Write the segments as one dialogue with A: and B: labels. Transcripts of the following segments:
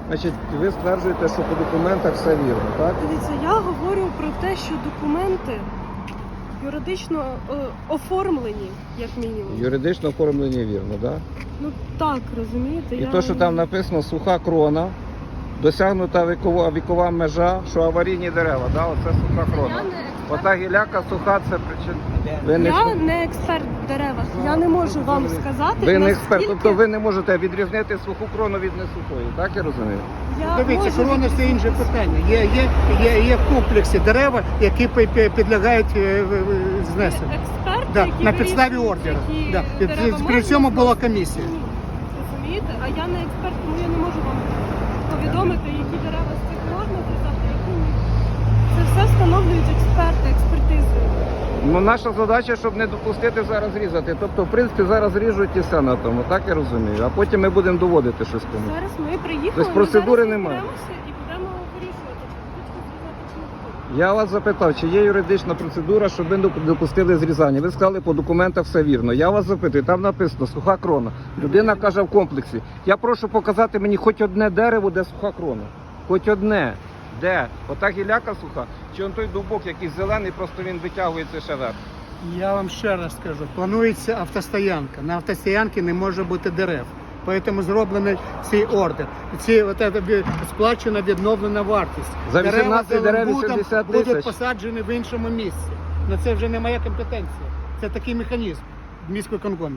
A: Значить, ви стверджуєте, що по документах все вірно, так?
B: Дивіться, я говорю про те, що документи юридично оформлені, як мінімум.
A: Юридично оформлені вірно, так?
B: Ну так, розумієте?
A: І то, що там написано суха крона, досягнута вікова межа, що аварійні дерева, да? Оце суха крона.
B: Я не експерт.
A: Ота гіляка суха, це причина. Ви не,
B: Я не експерт в деревах. Я не можу вам сказати,
A: ви не експерт,
B: наскільки
A: тобто ви не можете відрізнити суху крону від несухої, так я розумію?
B: я
C: Дивіться,
B: можу
C: корона це інше питання. Є в комплексі дерева, які підлягають знесенню.
B: експерт,
C: Да,
B: який
C: на підставі
B: вирішує,
C: ордера.
B: які
C: Да.
B: дерева
C: При
B: можна
C: цьому була
B: зносити,
C: комісія.
B: ні. Розумієте? А я не експерт, тому я не можу вам повідомити, які дерева з цих можна зрізати, які ні. Це все встановлюють експерти, експертизою.
A: Ну, наша задача, щоб не допустити зараз різати. Тобто, в принципі, зараз ріжуть і все на тому, так я розумію. А потім ми будемо доводити щось кому.
B: Зараз ми приїхали,
A: Тобто
B: ми
A: процедури
B: зараз
A: немає?
B: розберемося і будемо вирішувати, чи хочете зрізати, чи не будемо.
A: Я вас запитав, чи є юридична процедура, щоб ви допустили зрізання. Ви сказали, по документах все вірно. Я вас запитую, там написано суха крона. Людина каже в комплексі. Я прошу показати мені хоч одне дерево, де суха крона. Хоч одне. Де? Ота гіляка суха, чи он той дубок, який зелений, просто він витягується ще вверх.
C: Я вам ще раз скажу, планується автостоянка. На автостоянці не може бути дерев. Тому зроблений цей ордер. Сплачена відновлена вартість.
A: За 18 дерев
C: Зеленбудом
A: 80
C: будуть
A: тисяч.
C: посаджені в іншому місці. На це вже не моя компетенція. Це такий механізм в міськвиконкомі.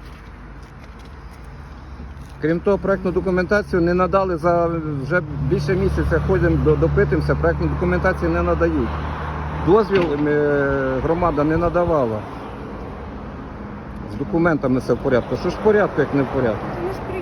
A: Крім того, проектну документацію не надали за вже більше місяця, ходимо, допитуємося, проектну документацію не надають. Дозвіл громада не надавала. З документами все в порядку. Що ж в порядку, як не в порядку?
B: Це не з